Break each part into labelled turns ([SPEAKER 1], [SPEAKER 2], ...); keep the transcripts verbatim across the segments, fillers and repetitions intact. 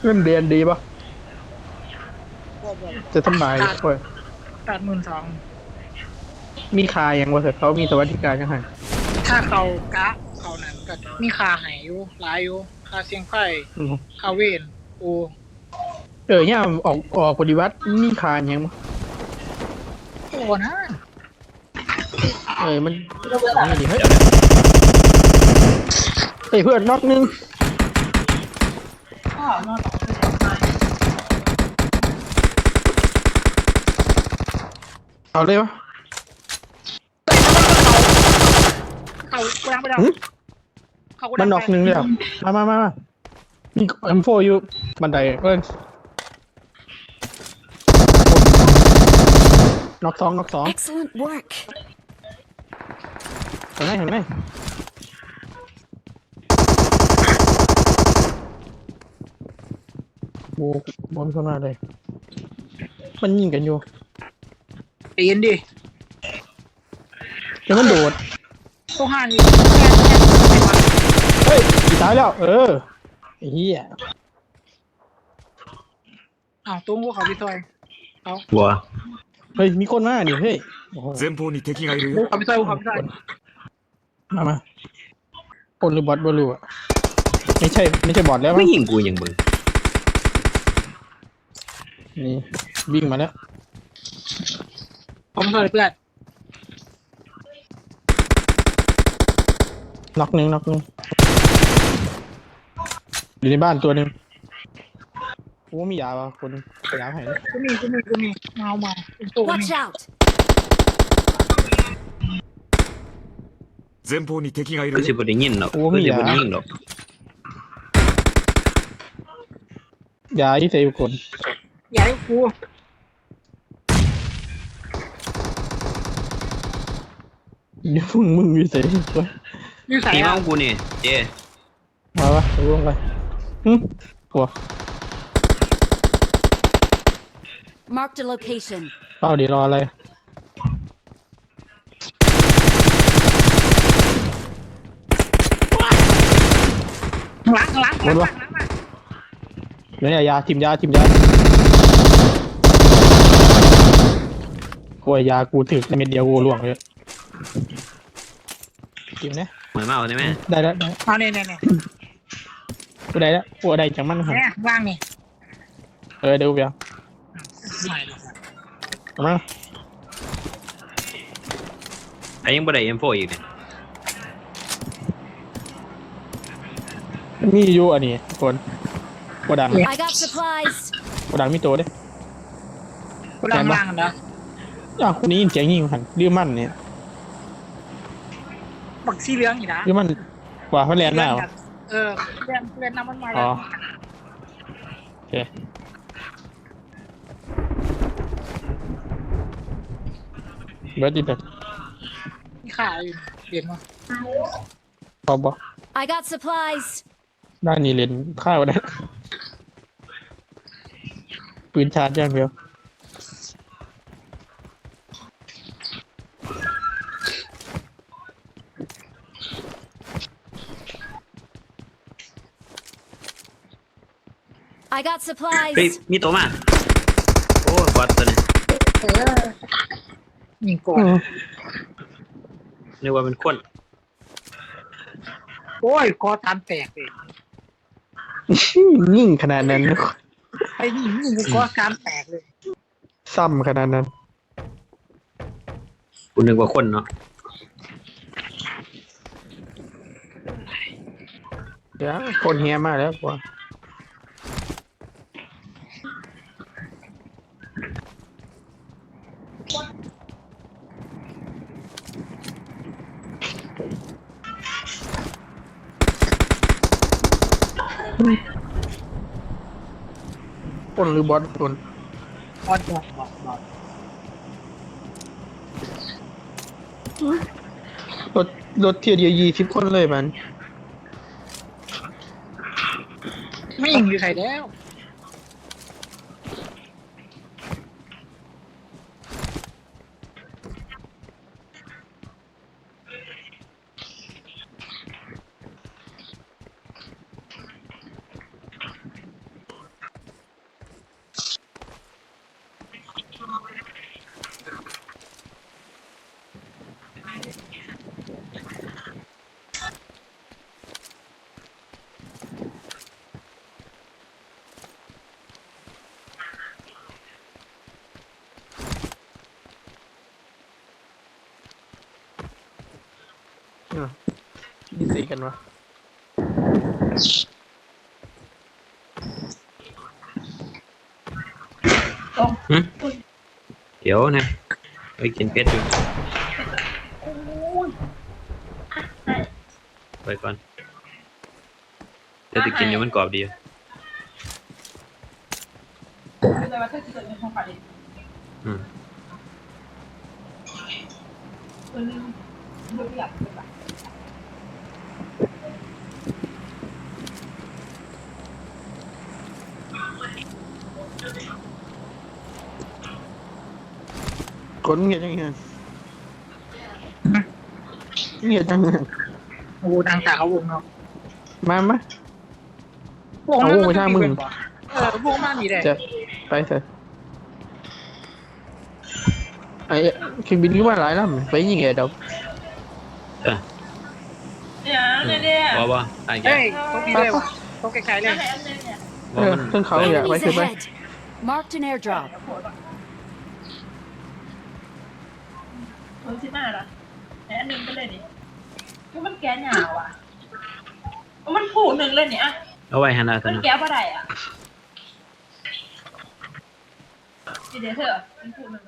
[SPEAKER 1] เงินเดือนดีปะ
[SPEAKER 2] บ่บ่บ่
[SPEAKER 1] จะสบาย
[SPEAKER 2] ขาด
[SPEAKER 1] โอ้ย
[SPEAKER 2] ขาดหมื่นสอง
[SPEAKER 1] มีคาอย่างว่าเถอะเขามีสวัสดิการยังไง
[SPEAKER 2] ถ้าเขากะเขานั้นก็มีค่าให้อยู่หลายอยู่ค่าเสียงไฟ
[SPEAKER 1] อืม
[SPEAKER 2] ค่าเวรโอ้
[SPEAKER 1] เออเนี่ยออกออกปฏิวัติมีคาอย่างมั้ง
[SPEAKER 2] โอ้นะ
[SPEAKER 1] เออมันนี่ดิเฮ้ยเฮ้ยเพื่อนน็อกนึง
[SPEAKER 2] ข้าวนอนต่อไปทำไม
[SPEAKER 1] เอาเลยวะ
[SPEAKER 2] เขาเขายังไม่ได้
[SPEAKER 1] หึ
[SPEAKER 2] เขาก็
[SPEAKER 1] มันน็
[SPEAKER 2] ดังไป
[SPEAKER 1] อกนึงเลยอ่ะมามามามามีเอ็มโฟอยู่บันไดเอ้ยน็อกสองน็อกสอง
[SPEAKER 3] Excellent work.
[SPEAKER 1] เห็นไหมเห็นไหมโอ้บอลเข้ามาเลยมันยิงกันอยู่
[SPEAKER 2] เปลี่ยนดิ
[SPEAKER 1] เดี๋ยวมันโดด
[SPEAKER 2] ต้องห้างอีก
[SPEAKER 1] เฮ้ยอีกตายแล้วเออไอ้เหี้ย
[SPEAKER 2] อ้าวตุ้งพวกเขาพี่ซอยเขา
[SPEAKER 4] บัว
[SPEAKER 1] เฮ้ยมีคนมาดิเฮ้ยโอ้โห
[SPEAKER 5] 前方に敵がいる
[SPEAKER 2] พวก
[SPEAKER 5] よ
[SPEAKER 2] เขาพี่ซอยพวกเขาพี่ซอย
[SPEAKER 1] มามาคนหรือบอทบอลูอ่ะไม่ใช่ไม่ใช่บอทแล้ว
[SPEAKER 4] ไม่
[SPEAKER 1] มั้ง
[SPEAKER 4] ยิงกูอย่างมึง
[SPEAKER 1] นี่วิ่งมาแล้ว
[SPEAKER 2] เขาพี่ซอยเพื่อน
[SPEAKER 1] น็อกหนึ่งน็อกหนึ่งอยู่ในบ้านตัวหนึ่งกูว่ามียาป่ะคนไปยาให้นะ
[SPEAKER 2] กูมีกูมีกูมีเมาเมาเป็นตัวนี่
[SPEAKER 3] Watch out.
[SPEAKER 5] 前方に敵がい
[SPEAKER 4] ก็
[SPEAKER 5] る
[SPEAKER 4] สิ
[SPEAKER 5] よ
[SPEAKER 4] บ่ได้ยินหรอกก็สิบ่ได้ยิงหรอก
[SPEAKER 1] ยาที่เซลคน
[SPEAKER 2] อย่าให้กู
[SPEAKER 1] เดี๋ยวมึงมึงมีเซลวะ
[SPEAKER 2] ยืดสาย
[SPEAKER 4] ตีมา
[SPEAKER 2] อ่ะ
[SPEAKER 4] ของกูนี่เจ
[SPEAKER 1] มาวะลงไปหึหัว
[SPEAKER 3] Marked a location.
[SPEAKER 1] เป้าดีรออะไร
[SPEAKER 2] หลังหลังหลังหลังหลังมา
[SPEAKER 1] เดี๋ยวยาทิมยาทิมยาโอ้ยยากูถึกในเม็ดเดียวกูล่วงเลยทิมนะ
[SPEAKER 4] หมายมาเอาได้ไหม
[SPEAKER 1] ได้แล้วได้
[SPEAKER 2] เอาเนี่ยเนี่ยเนี่ย
[SPEAKER 1] กูได้แล้วกูได้จังมันหัน
[SPEAKER 2] เนี่ยว่างนี่
[SPEAKER 1] เออเดี๋ยวกูไปเอา
[SPEAKER 2] ไม่หรอก
[SPEAKER 1] เอามา
[SPEAKER 4] ไอ้ยังบ่ได้ เอ็ม โฟร์ อีกเนี่ย
[SPEAKER 1] มันมีอยู่อันนี้ทุกคนกดดัง
[SPEAKER 3] I got supplies.
[SPEAKER 1] กดดังมีตัวเด้
[SPEAKER 2] กูดังล่างกันนะ
[SPEAKER 1] อ้าวคนนี้ยินเสียงยิงหันดื้อมั่นเนี่ย
[SPEAKER 2] บักสีเหลืองอีกนะ
[SPEAKER 1] ดื้อมั่นกว่าเขาแลนด์หน้า
[SPEAKER 2] เออเรียนเรียนน้ำมันมา
[SPEAKER 1] อ๋
[SPEAKER 2] แล้
[SPEAKER 1] อ
[SPEAKER 2] ว
[SPEAKER 1] โอเคเบิร์ดดิเบิร์ด
[SPEAKER 2] นี่ขาอยู่เรียนมา
[SPEAKER 1] พอบอก
[SPEAKER 3] I got supplies.
[SPEAKER 1] ด้านนี้เล่นข้าวได้ปืนชาร์จอย่างเดียว
[SPEAKER 3] I got
[SPEAKER 4] เฮ้ย
[SPEAKER 3] supplies.
[SPEAKER 4] มีตัวมาโอ้ยบอทตัวนี้
[SPEAKER 2] เออยิงก่อน
[SPEAKER 4] นึกว่าเป็นคน
[SPEAKER 2] โอ้ยกอตามแตกเลย
[SPEAKER 1] ยิ่งขนาดนั้นนะ
[SPEAKER 2] ไอ้นี่ยิงกอตามแตกเลย
[SPEAKER 1] ซ้ำขนาดนั้น
[SPEAKER 4] กูนึกว่าคนเนาะ
[SPEAKER 1] เดี๋ยวคนเฮียมาแล้วกว่าคนหรือบอสคน
[SPEAKER 2] บอลบอลบอลบอล
[SPEAKER 1] รถรถเทียร์เดียวยี่สิบคนเลยมัน
[SPEAKER 2] ไม่ยิงอยู่ใส่แล้ว
[SPEAKER 1] ดีสีกันวะ
[SPEAKER 4] หึเดี๋ยวนะไปกินเป็ดอยู่ไปก่อนเดี๋ยวจะกินอยู่มันกรอบดีอืม
[SPEAKER 1] คนเงียบยังไงเงียบยังไง
[SPEAKER 2] โอ้ดังจากเขาวงเนาะ
[SPEAKER 1] มามา
[SPEAKER 2] วง
[SPEAKER 1] เอาวงไปทางมึง
[SPEAKER 2] เออวงมากนี่แหละ
[SPEAKER 1] จะไปเถอะไอ้เครื่องบินก็ว่าหลายลำไปยิงไงเดา
[SPEAKER 4] เออ
[SPEAKER 6] เนี่ยเนี่ยเนี่ย
[SPEAKER 4] บ่บ่ตายแก
[SPEAKER 2] เฮ้ยต้องมีเลยว่ะต้องไกลๆเลย
[SPEAKER 1] เออขึ้นเขาอย่าไป
[SPEAKER 3] Enemies
[SPEAKER 1] ขึ้นไป
[SPEAKER 3] ahead. Marked an airdrop.
[SPEAKER 6] คนที่มาละแอนหนึ่งไปเลยดิก็มันแก้หยาวอ่ะมันผูหนึ่งเลยเนี่ย
[SPEAKER 4] เอาไว้หันหน้าซะ
[SPEAKER 6] มัน
[SPEAKER 4] นะ
[SPEAKER 6] แก้บ่ได้อ่ะเดี๋ยวเถอะมันผูหนึ่ง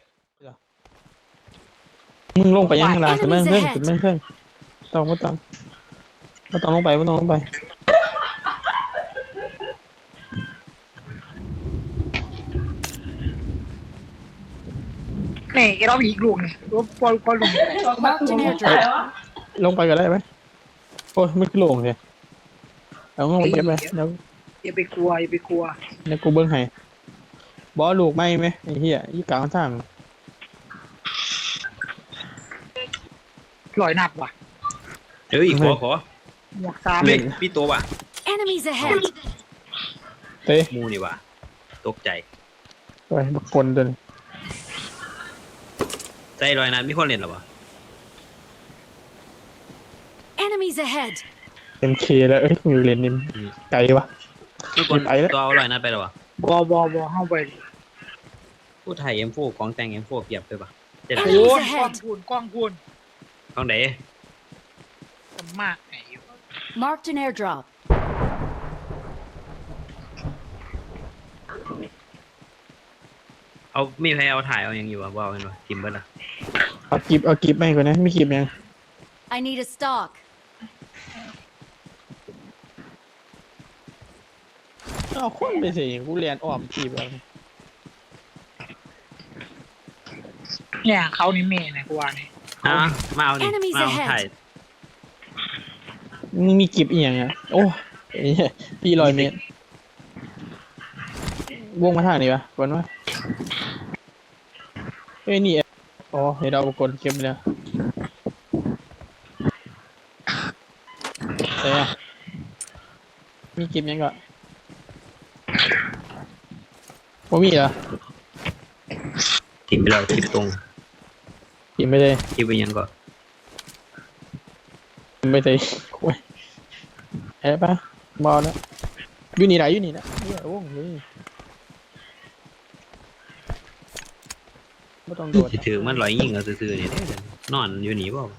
[SPEAKER 1] มึงลงไปยังข้างล่างขึ้นมาเครื่องขึ้นมาเครื่องต้องไม่ต้องไม่ต้องลงไปไม่ต้องลงไป
[SPEAKER 2] นี่ไอ้เราอีกลูกนี่รถพอพอลง
[SPEAKER 3] Marked an airdrop.
[SPEAKER 1] ลงไปก็ได้ไหมโอ้ยไม่ขึ้นลงเลยเอาลงไปเก็บไปแล้ว
[SPEAKER 2] อย่าไปกลัวอย่าไปกลัว
[SPEAKER 1] แล้วกูเบิ้งให้บอลูกไม่ไหมไอ้เหี้ยยี่กลางทาง
[SPEAKER 2] ลอยหนักว่ะ
[SPEAKER 4] เอ้ยขอขอ
[SPEAKER 2] หมวกสาม
[SPEAKER 4] เฮ้ยมีตัวว่ะ
[SPEAKER 3] Enemies ahead.
[SPEAKER 1] เต้
[SPEAKER 4] หมูนี่ว่ะตกใจ
[SPEAKER 1] ไปบักปนตัวนี้
[SPEAKER 4] ใจลอยนะมีคนเล่นหรอวะ
[SPEAKER 3] Enemies ahead.
[SPEAKER 1] เอ็มเคแล้วเอ้ยอยู่เลนนิมไกลวะ
[SPEAKER 4] มีคน
[SPEAKER 1] ไปแล้ว
[SPEAKER 4] ตัวเอาลอยนะไปหรอวะ
[SPEAKER 2] บอบอบอเข้าไป
[SPEAKER 4] ผู้ไทยเอ็มโฟของแต่งเอ็มโฟเกียบไปปะเจ็ด
[SPEAKER 2] โอ้
[SPEAKER 3] Enemies
[SPEAKER 2] ยกล้อง
[SPEAKER 3] ahead.
[SPEAKER 2] พูนกล้องพูน
[SPEAKER 4] ของไหน
[SPEAKER 2] คนมากไอ้อยู่
[SPEAKER 3] Marked an airdrop.
[SPEAKER 4] เอามีใครเอาถ่ายเอายังอยู่อ่ะว่าเอาเป็นวะทิมเบิ้ลอ่ะ
[SPEAKER 1] เอากิบเอากิบไม่ก่อนนะไม่กิบยัง
[SPEAKER 3] I need a stock.
[SPEAKER 1] เอาคนไปสิกูเรียนอ้อมกีบเอา
[SPEAKER 2] เนี่ยเขานี่เมย์นะกูว่านี่
[SPEAKER 4] อ่ะมาเอาดิ
[SPEAKER 3] Enemies
[SPEAKER 4] มาเอา
[SPEAKER 3] ahead
[SPEAKER 4] ถ่าย
[SPEAKER 1] มึงมีกิบอีกอย่างอ่ะโอ้ไอ้เหี้ยพี่ลอยเมตรวงมาทางนี้ปะก่อนวะเอ้ยนี่อ๋อเห็นเรากดเก็บไปแล้วเอ้ยมีกิบยังก็บ่มีเหรอ
[SPEAKER 4] ทิมไปแล้วทิมตรง
[SPEAKER 1] กินไม่ได้
[SPEAKER 4] ทิมไปยังก็
[SPEAKER 1] กินไม่ได้โอ้ยเอ้ยปะบอลแล้วอยู่นี่ไหนอยู่นี่นะเนี่ยโอ้โหไม่ต้องโดด
[SPEAKER 4] สิถือมันลอยยิงเอาซื่อๆนี่เด้อนอนอยู่นี่เปล่าก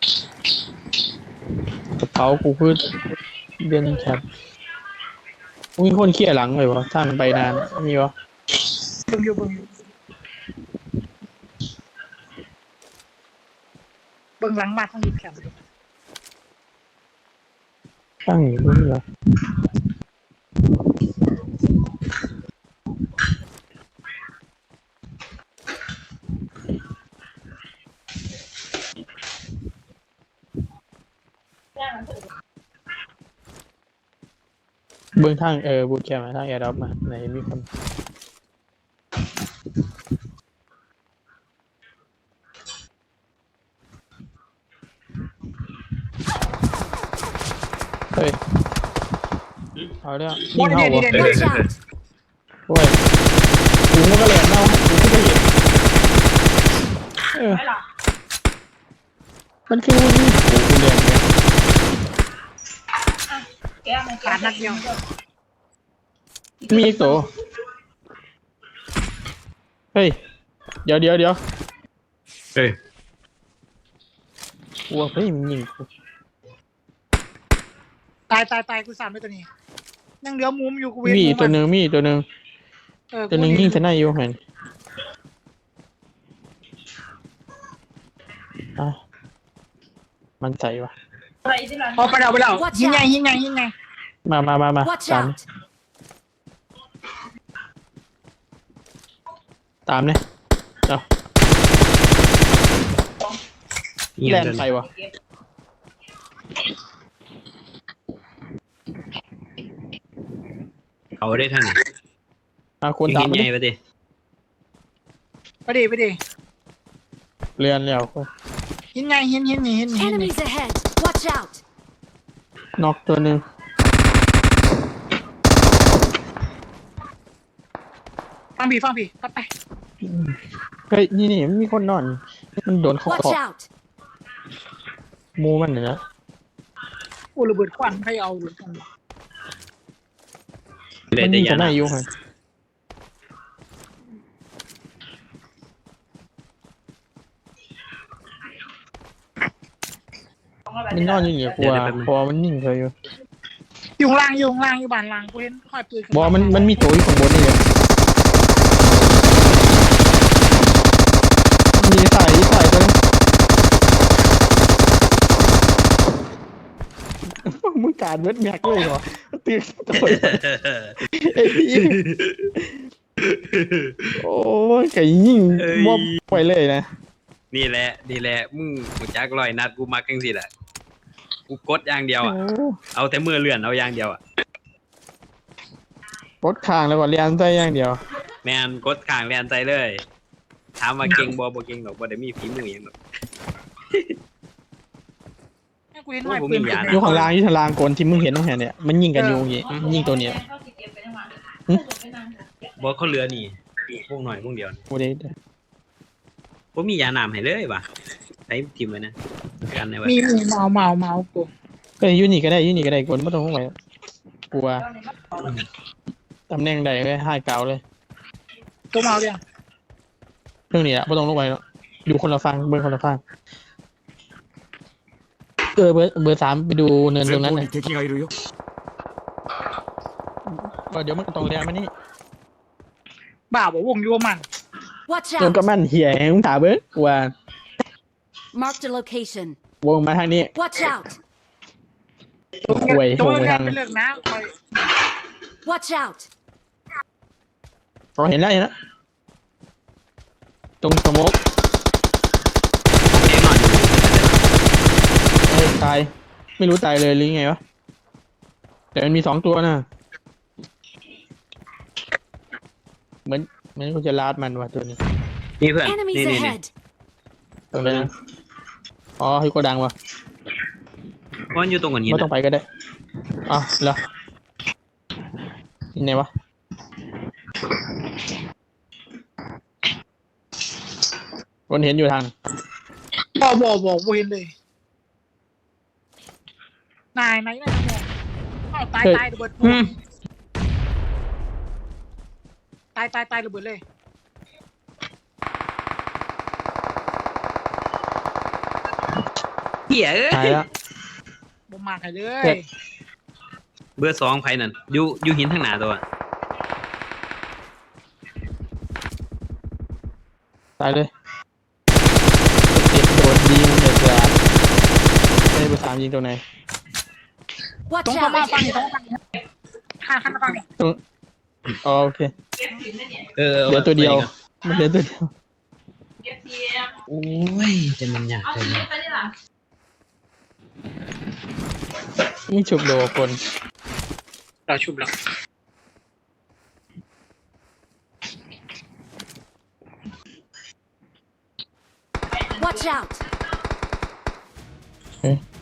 [SPEAKER 1] ระเป๋ากูคือเดินแคบมีคนเขี่ยหลังเลยวะทางไปนานมีวะ
[SPEAKER 2] เบิ่งอยู่เบิ่งอยู่เบิ่งหลังมาทั้งนี้แคมป์
[SPEAKER 1] ตั้งอยู่ตรงนี้เหรอเบื้องทางเออบูทแคมป์ทางแอร์ดรอปมาไหนมีคนเฮ้ยเอาเรื่องยิงเข้าวะ
[SPEAKER 3] Watch out.
[SPEAKER 1] โอ้ยกูมันก็แหลมเน่ากูก็เห็นเออ
[SPEAKER 6] ไม่หรอก
[SPEAKER 1] มันคือมันนี่โอ้กูแหลมเลย
[SPEAKER 6] แก้มัน
[SPEAKER 2] ขาดนัดเดียว
[SPEAKER 1] มีอีกตัวเฮ้ยเดี๋ยวเดี๋ยวเดี๋ยว
[SPEAKER 4] เฮ้ย
[SPEAKER 1] กลัวเฮ้ยมันยิงกู
[SPEAKER 2] ตายตายตายกูสั่นไปตัวนี้ยังเหลือมุมอยู่กูเว้น
[SPEAKER 1] มี
[SPEAKER 2] มุ
[SPEAKER 1] อีกตัวหนึ่งมีอีกตัวหนึ่ง
[SPEAKER 2] เออ
[SPEAKER 1] ตัวหนึ่งยิงทนายอยู่เห็นอ่ะมันใจวะ
[SPEAKER 6] อะไรที่ร้าน
[SPEAKER 2] พอไปแล้วไปแล้ว
[SPEAKER 3] Watch
[SPEAKER 2] ยิงไง
[SPEAKER 3] out
[SPEAKER 2] ยิงไงยิงไง
[SPEAKER 1] มามามามา
[SPEAKER 3] Watch
[SPEAKER 1] ตาม
[SPEAKER 3] out!
[SPEAKER 1] ตามเนี่ยเอา
[SPEAKER 4] เงีย
[SPEAKER 1] แล
[SPEAKER 4] บ
[SPEAKER 1] น
[SPEAKER 4] เลย
[SPEAKER 1] ไปวะ
[SPEAKER 4] เขาได้ท่าน
[SPEAKER 1] อ่ะคน
[SPEAKER 4] ยิง
[SPEAKER 1] ตาม
[SPEAKER 4] หิน
[SPEAKER 1] ไป
[SPEAKER 4] ใหญ่ไปดิ
[SPEAKER 2] ไปดิไปดิ
[SPEAKER 1] เรียนแล้ว
[SPEAKER 2] ยิงไงยิงยิงยิงยิงยิง
[SPEAKER 3] Enemies ahead! Watch out!
[SPEAKER 1] น็อกตัวหนึ่ง
[SPEAKER 2] ฟังพี่ฟังพี่ไปไป
[SPEAKER 1] เฮ้ยนี่นี่มันมีคนนอน มันโดนเขา
[SPEAKER 3] Watch
[SPEAKER 1] เกาะ
[SPEAKER 3] out!
[SPEAKER 1] หมูมันเนี่ยนะ
[SPEAKER 2] โอ้ระเบิดควันให้เอาหรือกัน
[SPEAKER 4] เล
[SPEAKER 1] มั
[SPEAKER 4] ย
[SPEAKER 1] น
[SPEAKER 4] แต่
[SPEAKER 1] ยิง
[SPEAKER 4] ยา
[SPEAKER 1] ทนาย
[SPEAKER 4] นะ
[SPEAKER 1] อยู่ไง มันนอนอยู่เหนือกลัวพอมันยิงเธออยู่
[SPEAKER 2] อยู่ข้างล่างอยู่ข้างล่างอยู่บ้านล่างกูเห็นห้อยปืน
[SPEAKER 1] บอมันมันมีตัวอยู่ข้างบนนี่เลยมีสายสายตัวนึงมึงการเวทแม็กเลยเหรอตื่นตัวไอ้พี่โอ้ยไก่ยิงมอบไปเลยนะ
[SPEAKER 4] นี่แหละนี่แหละมึงกูจักลอยนัดกูมักจังสิแหละกูกดอย่างเดียวอ่ะ
[SPEAKER 1] โอ้
[SPEAKER 4] เอาแต่มือเลื่อนเอาอย่างเดียวอ่ะ
[SPEAKER 1] ปดคางแล้วก็เรียนใจอย่างเดียว
[SPEAKER 4] แมนกดข้างแลนใจเลยถามว่าเก่งบ่บ่เก่งหรอกบ่ได้มีฝีมือหยังหรอก
[SPEAKER 2] กูเห็นห้อยปืน
[SPEAKER 1] อยู่ข้างล่างอยู่ข้างล่างโกนที่มึงเห็นตรงแหนเนี่ยมันยิงกันอยู่อย่างงี้ยิงตัวเนี้ย
[SPEAKER 6] เขาสิเก็บไปทั้งวัน
[SPEAKER 1] หึ
[SPEAKER 6] ไปนั่ง
[SPEAKER 4] บ่เขาเหลือนี่พวกหน่อยพวกเดียว
[SPEAKER 1] โอ้เด้
[SPEAKER 4] บ่มียาน้ำให้เลยว่ะใช้ทิมไว้นะกันได้ว่า
[SPEAKER 2] มีมีเมาเมาเมากู
[SPEAKER 1] ก็อยู่นี่ก็ได้อยู่นี่ก็ได้โกนไม่ต้องห่วงไปกลัวตำแหน่งใดก็ให้เก่าเลย
[SPEAKER 2] ตัวเมาเดียว
[SPEAKER 1] เรื่องนี้อะไม่ต้องลงไปแล้วอยู่คนละฟังเบอร์คนละฟังเออเบอร์เบอร์สามไปดูเนินตร
[SPEAKER 5] 前
[SPEAKER 1] งนั้น
[SPEAKER 5] 方
[SPEAKER 1] เลย
[SPEAKER 5] に敵がいるよ。
[SPEAKER 1] ว่าเดี๋ยวมันตรงเรียนมานี่
[SPEAKER 2] บ้าบอกวงอยู่มัน
[SPEAKER 3] Watch
[SPEAKER 1] เดี๋ยวก็
[SPEAKER 3] out!
[SPEAKER 1] มันเหี้ยมึงถามเบอร์ว่า
[SPEAKER 3] Marked a location.
[SPEAKER 1] วงมาทางนี้
[SPEAKER 3] Watch out!
[SPEAKER 1] ห่วย
[SPEAKER 2] ตัว
[SPEAKER 1] วงไป
[SPEAKER 2] เรีย
[SPEAKER 1] ทาน ง
[SPEAKER 2] ไปเลิกนะคอย
[SPEAKER 3] Watch out!
[SPEAKER 1] เราเห็นแล้วเห็นแล้วตรงสโมก
[SPEAKER 4] แน่นอนอยู่
[SPEAKER 1] เอ้ยตายไม่รู้ตายเลยหรือไงวะแต่มันมีสองตัวนะเหมือนเหมือนกูจะลาดมันว่ะตัวนี้
[SPEAKER 4] นี่เพื่อน
[SPEAKER 3] Enemies
[SPEAKER 4] นี่นี่นี่
[SPEAKER 3] ahead!
[SPEAKER 1] ตรงนั้นอ๋อให้โกดังว่ะ
[SPEAKER 4] มันอยู่ตรงกันนี้
[SPEAKER 1] ไม่ต้อง
[SPEAKER 4] นะ
[SPEAKER 1] ไปก็ได้อ๋อเหรอที่ไหนวะคนเห็นอยู่ทาง
[SPEAKER 2] บอกบอกบอกเวนเลยนายนายนายมองอ้าวตายตายระเบิด
[SPEAKER 1] อืม
[SPEAKER 2] ตายตายตายระเบิดเลย
[SPEAKER 4] เหี้ยเอ้
[SPEAKER 1] ตาย
[SPEAKER 4] ย
[SPEAKER 1] แล้ว
[SPEAKER 2] บ่มากให้เล
[SPEAKER 1] เจ็
[SPEAKER 2] ย
[SPEAKER 1] บ
[SPEAKER 4] เบอร์สองไผนั่นอยู่อยู่หินทางหน้าตัว
[SPEAKER 1] ตายเลยติดโดนยิงเดือดร้อนไม่ได้ไปสามยิงตัวไหน
[SPEAKER 3] Watch
[SPEAKER 2] ตรงเข้ามา
[SPEAKER 3] out!
[SPEAKER 2] ฟังนี่ตรงฟังนี่ข้างข้างฟังนี่
[SPEAKER 1] ตรงอ๋อโอเค
[SPEAKER 6] เก็บสินได้เนี่ย
[SPEAKER 4] เออ
[SPEAKER 1] เหลือตัวเดียวมันเหลือตัวเดียว
[SPEAKER 6] เก็บเทียม
[SPEAKER 4] โอ้ยจะมันยาก
[SPEAKER 6] เอา
[SPEAKER 4] เลย
[SPEAKER 6] สินไปนี่ล่ะ
[SPEAKER 1] นี่ฉุบโดคน
[SPEAKER 2] เราชุบแล้ว
[SPEAKER 3] Watch out!
[SPEAKER 1] เอ๊ะ